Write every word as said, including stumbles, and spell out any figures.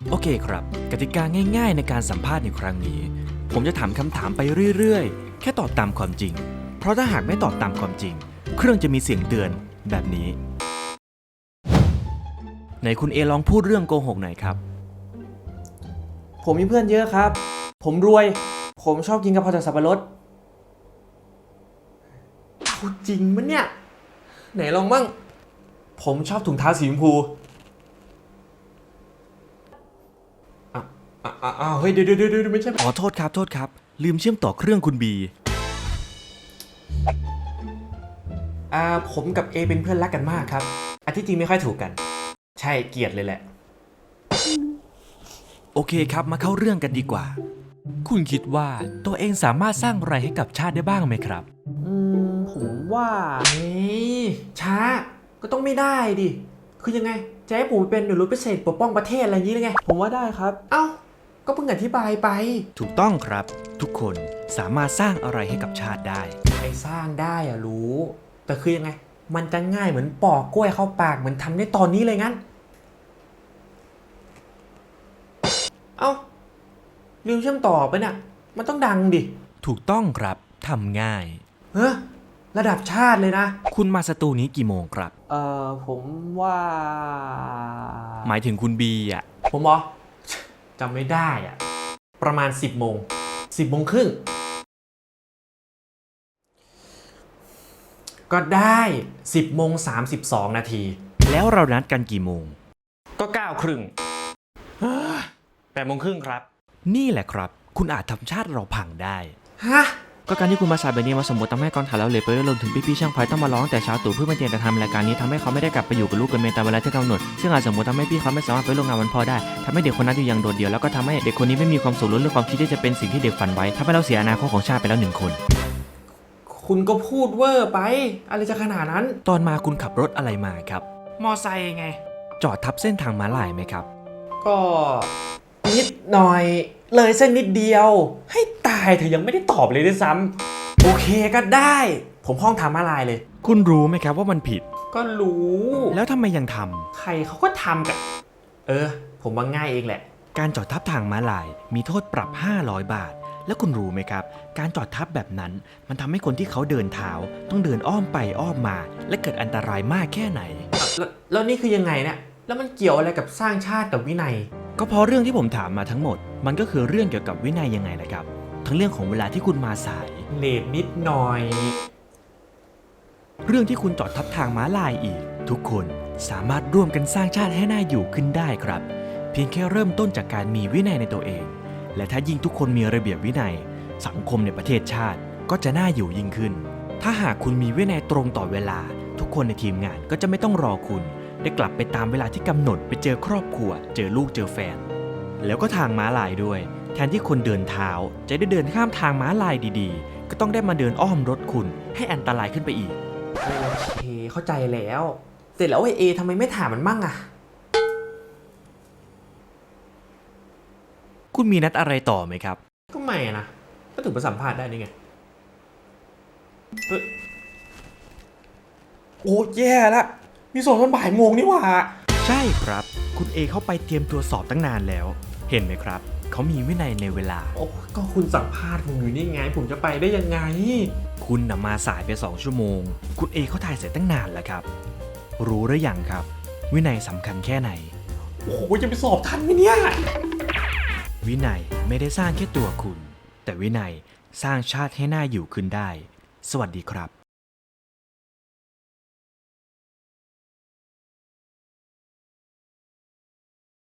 โอเคครับกติกาง่ายๆในการสัมภาษณ์ในครั้งนี้ผมจะถามคำถามไปเรื่อยๆแค่ตอบตามความจริงเพราะถ้าหากไม่ตอบตามความจริงเครื่องจะมีเสียงเตือนแบบนี้ไหนคุณเอลองพูดเรื่องโกหกหน่อยครับผมมีเพื่อนเยอะครับผมรวยผมชอบกินกะเพราจากสับปะรดเอาจริงมั้ยเนี่ยไหนลองบ้างผมชอบถุงเท้าสีชมพูอ้าวอ้าวอ้าวเฮ้ยเดี๋ยวเดี๋ยวเดี๋ยวไม่ใช่อ๋อโทษครับโทษครับลืมเชื่อมต่อเครื่องคุณบีอ่าผมกับเอเป็นเพื่อนรักกันมากครับอันที่จริงไม่ค่อยถูกกันใช่เกลียดเลยแหละโอเคครับมาเข้าเรื่องกันดีกว่าคุณคิดว่าตัวเองสามารถสร้างอะไรให้กับชาติได้บ้างไหมครับอืมผมว่าเฮ้ยช้าก็ต้องไม่ได้ดิคือยังไงจะให้ผมเป็นหน่วยรบพิเศษปกป้องประเทศอะไรอย่างนี้เลยไงผมว่าได้ครับเอ้าก็เพิ่งอธิบายไปถูกต้องครับทุกคนสามารถสร้างอะไรให้กับชาติได้ไอ้สร้างได้อะรู้แต่คือยังไงมันจะง่ายเหมือนปอกกล้วยเข้าปากเหมือนทำได้ตอนนี้เลยงั้นเอ้าลืมเชื่อมต่อไปเนี่ยมันต้องดังดิถูกต้องครับทำง่ายเฮ้ยระดับชาติเลยนะคุณมาสตูนี้กี่โมงครับเอ่อผมว่าหมายถึงคุณบีอ่ะผมบอกจำไม่ได้อะประมาณสิบโมงสิบโมงครึ่งก็ได้สิบโมงสามสิบสองนาทีแล้วเรานัดกันกี่โมงก็เก้าครึ่งแปดโมงครึ่งครับนี่แหละครับคุณอาจทำชาติเราพังได้ฮะก็การที่คุณมาสายแบบนี้มาสมมติทำให้กองถ่ายแล้วเลยไปรวมถึงพี่ๆช่างไฟต้องมาร้องแต่เช้าตู่เพื่อมาเตรียมจะทำรายการนี้ทำให้เขาไม่ได้กลับไปอยู่กับลูกกับเมียตามเวลาที่กำหนดซึ่งอาจสมมติทำให้พี่เขาไม่สามารถไปร่วมงานวันพ่อได้ทำให้เด็กคนนั้นอยู่อย่างโดดเดี่ยวแล้วก็ทำให้เด็กคนนี้ไม่มีความสุขล้วนเรื่องความคิดที่จะเป็นสิ่งที่เด็กฝันไว้ทำให้เราเสียอนาคตของชาติไปแล้วหนึ่งคนคุณก็พูดเวอร์ไปอะไรจะขนาดนั้นตอนมาคุณขับรถอะไรมาครับมอไซค์ไงจอดทับเส้นทางม้าลายไหมครับก็นิดหน่อยเลยเส้นนิดเดียวให้ตายเธอยังไม่ได้ตอบเลยด้วยซ้ำโอเคก็ได้ผมห้องทางม้าลายเลยคุณรู้ไหมครับว่ามันผิดก็รู้แล้วทำไมยังทำใครเขาก็ทำกันเออผมว่าง่ายเองแหละการจอดทับทางม้าลายมีโทษปรับห้าร้อยบาทแล้วคุณรู้ไหมครับการจอดทับแบบนั้นมันทำให้คนที่เขาเดินเท้าต้องเดินอ้อมไปอ้อมมาและเกิดอันตรายมากแค่ไหนแล้วแล้วนี่คือยังไงเนี่ยแล้วมันเกี่ยวอะไรกับสร้างชาติกับวินัยก็เพราะเรื่องที่ผมถามมาทั้งหมดมันก็คือเรื่องเกี่ยวกับวินัยยังไงล่ะครับทั้งเรื่องของเวลาที่คุณมาสายเลทนิดหน่อยเรื่องที่คุณจอดทับทางม้าลายอีกทุกคนสามารถร่วมกันสร้างชาติให้น่าอยู่ขึ้นได้ครับเพียงแค่เริ่มต้นจากการมีวินัยในตัวเองและถ้ายิ่งทุกคนมีระเบียบวินัยสังคมในประเทศชาติก็จะน่าอยู่ยิ่งขึ้นถ้าหากคุณมีวินัยตรงต่อเวลาทุกคนในทีมงานก็จะไม่ต้องรอคุณได้กลับไปตามเวลาที่กำหนดไปเจอครอบครัวเจอลูกเจอแฟนแล้วก็ทางม้าลายด้วยแทนที่คนเดินเท้าจะได้เดินข้ามทางม้าลายดีๆก็ต้องได้มาเดินอ้อมรถคุณให้อันตรายขึ้นไปอีกโอเคเข้าใจแล้วเสร็จแล้วไอเอทำไมไม่ถามมันมั่งอะคุณมีนัดอะไรต่อไหมครับก็ไม่นะก็ถึงไปสัมภาษณ์ได้นี่ไงเฮ้ยโอ้แย่ละมีสอบตอนบ่ายโมงนี่หว่าใช่ครับคุณเอเข้าไปเตรียมตัวสอบตั้งนานแล้วเห็นไหมครับเขามีวินัยในเวลาโอ้ก็คุณสัมภาษณ์ผมอยู่นี่ไงผมจะไปได้ยังไงคุณน่ะมาสายไปสองชั่วโมงคุณเอเขาถ่ายเสร็จตั้งนานแล้วครับรู้หรือยังครับวินัยสำคัญแค่ไหนโอ้โหจะไปสอบทันไหมเนี่ยวินัยไม่ได้สร้างแค่ตัวคุณแต่วินัยสร้างชาติให้น่าอยู่ขึ้นได้สวัสดีครับ